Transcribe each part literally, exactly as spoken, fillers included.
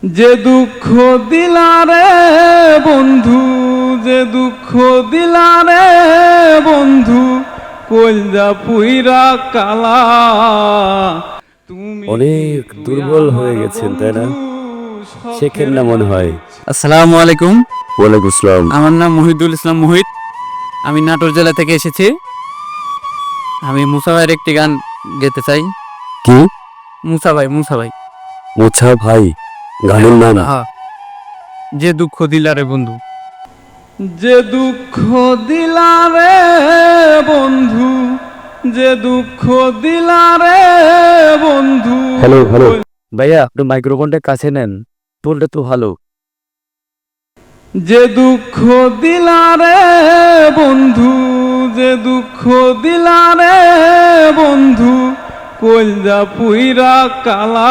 যে দুঃখ দিলারে বন্ধু, যে দুঃখ দিলারে বন্ধু, কলজা পুইরা কালা। তুমি অনেক দুর্বল হয়ে গেছেন তাই না? শেখেন না মনে হয়। আসসালামু আলাইকুম। ওয়ালাইকুম আসসালাম। আমার নাম মহিদুল ইসলাম মোহিত। আমি নাটোর জেলা থেকে এসেছি। আমি মুসা ভাইয়ের একটি গান গেতে চাই। কি? মুসা ভাই, মুসা ভাই। মোছা ভাই গানের নাম? হ্যাঁ। যে দুঃখ দিলারে বন্ধু। যে দুঃখ দিলারে বন্ধু, যে দুঃখ দিলারে বন্ধু। হ্যালো হ্যালো ভাইয়া, একটু মাইক্রোফোনটা কাছে নেন, টোনটা তো ভালো। যে দুঃখ দিলারে বন্ধু, যে দুঃখ দিলারে বন্ধু, কলজা পুইরা কালা।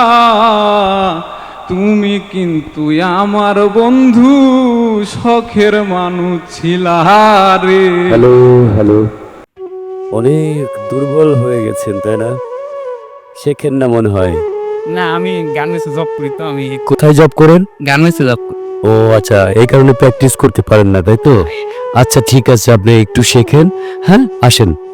তুমি কিন্তু আমার বন্ধু, শখের মানুষ ছিলা রে। হ্যালো হ্যালো অনেক দুর্বল হয়ে গেছেন তাই না? শেখেন না মনে হয়। না, আমি গার্মেন্টসে জব করি, তো আমি কোথায় জব করেন? গার্মেন্টসে জব করি। ও আচ্ছা, এই কারণে প্র্যাকটিস করতে পারেন না তাই তো? আচ্ছা ঠিক আছে, আপনি একটু শেখেন। হ্যাঁ আসেন।